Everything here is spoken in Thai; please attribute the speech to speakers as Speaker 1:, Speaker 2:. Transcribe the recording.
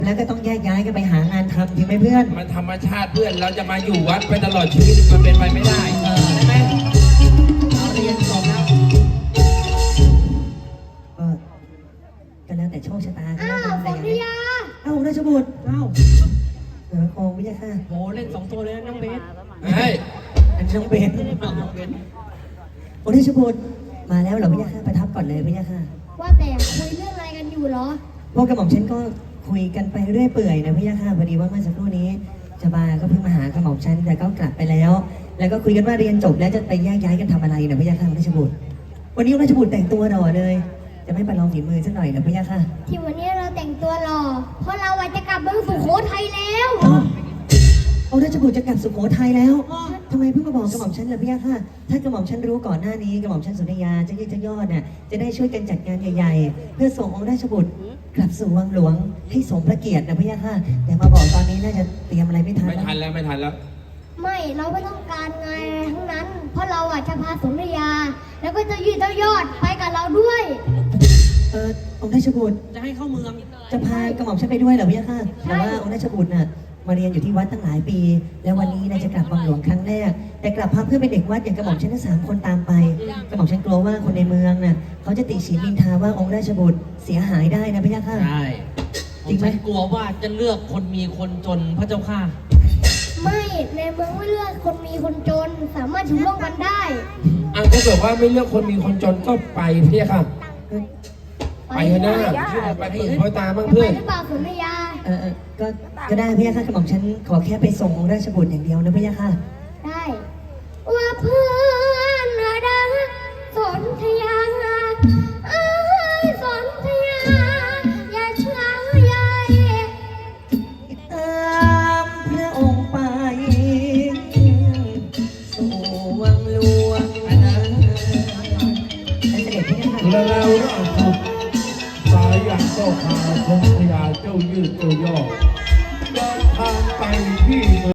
Speaker 1: แล้วก็ต้องแยกย้ายกันไปหางานทำจริงไหมเพื่อน
Speaker 2: มันธรรมชาติเพื่อนเราจะมาอยู่วัดไปตลอดชีวิตมันเป็นไปไม่ได้ใช่ไหมเราเรียนจบแล้ว
Speaker 1: ก็แล้วแต่โชคชะตา
Speaker 3: อ้าวฝนยา
Speaker 1: ราชบุตรโอ้ไม่ใช่ค่ะ
Speaker 4: โหเล่น2 ตัวเลยนะน้องเบส
Speaker 2: เฮ้ย
Speaker 1: อันน้องเบนราชบุตรมาแล้วเหรอพี่ยาค่ะประทับก่อนเลยพี่ยาค่ะ
Speaker 3: ว่าแต่คุยเรื่องอะไรกันอยู่เหรอ
Speaker 1: พวกกระหม่อมฉันก็คุยกันไปเรื่อยเปื่อยนะพี่ยาค่ะพอดีว่าเมื่อสักครู่นี้ชบาก็เพิ่งมาหากระหม่อมฉันแต่ก็กลับไปแล้ว แล้วก็คุยกันว่าเรียนจบแล้วจะไปแยกย้ายกันทำอะไรนะพี่ยาค่ะราชบุตรวันนี้ราชบุตรแต่งตัวหล่อเลยจะไม่ประลองฝีมือสักหน่อยนะพี่ยาค่ะ
Speaker 3: ที่วันนี้เราแต่งตัวหล่อเพราะเราจะกลับเมืองสุโขทัยแล้ว
Speaker 1: ราชบุตรจะกลับสุโขทัยแล้วทำไมเพิ่งมาบอกกระหม่อมฉันล่ะพี่ยาค่ะถ้ากระหม่อมฉันรู้ก่อนหน้านี้กระหม่อมฉันสุนยาจะยืดจะยอดเนี่ยจะได้ช่วยกันจัดงานใหญ่ๆเพื่อส่งองค์ราชบุตรกลับสู่วังหลวงให้สมพระเกียรตินะพี่ยาค่ะแต่มาบอกตอนนี้น่าจะเตรียมอะไรไม่ทัน
Speaker 2: ไม่ทันแล้วไม่ทันแล้ว
Speaker 3: ไม่เราไม่ต้องการงานอะไรทั้งนั้น เพราะเราจะพาสนยา แล้วก็จะยืดเจ้ายอดไปกับเราด้วย
Speaker 1: องค์ราชบุตร
Speaker 4: จะให้เข้าเมือง
Speaker 1: จะพากระหม่อมฉันไปด้วยเหรอพี่ยาค่ะแต่ว่าองค์ราชบุตรน่ะมาเรียนอยู่ที่วัดตั้งหลายปี แล้ววันนี้น่าจะกลับวังหลวงครั้งแรกแต่กลับพาเพื่อนเป็นเด็กวัดอย่างกระหม่อมฉันทั้ง3 คนตามไปกระหม่อมฉันกลัวว่าคนในเมืองน่ะเขาจะติฉินนินทาว่าองค์ราชบุตรเสียหายได้นะพี่ยาค่ะ
Speaker 4: ใช่
Speaker 1: จริงไหม
Speaker 4: ฉันกลัวว่าจะเลือกคนมีคนจนพระเจ้าค่ะ
Speaker 3: ไม่ในเมืองไม่เลือกคนมีคนจนสามารถอยู่ร่วมกันได้
Speaker 2: ถ้าเกิดว่าไม่เลือกคนมีคนจนก็ไปพี่ค่ะ ไปเถอะนะไปฝึกพ่อตาบ้าง
Speaker 3: จะ
Speaker 2: เพื่
Speaker 3: ไป
Speaker 2: อน
Speaker 3: หรือเปล่าสนยา
Speaker 1: ก็ได้พี่ยาค่ะกระหม่อมฉันขอแค่ไปส่งองค์ราชบุตรอย่างเดียวนะพี่ยาค่ะ
Speaker 3: ได้ว่าเพื่อนรักสนธยาสนธยาอย่าเชื่อใหญ่
Speaker 1: ตามพระองค์ไปสู่วังหลวงเสด็จพี่ยาค่ะ
Speaker 5: แล้วเราถูกสายอย่างเจ้าขาชมพยาเจ้ายืดเจ้ายอด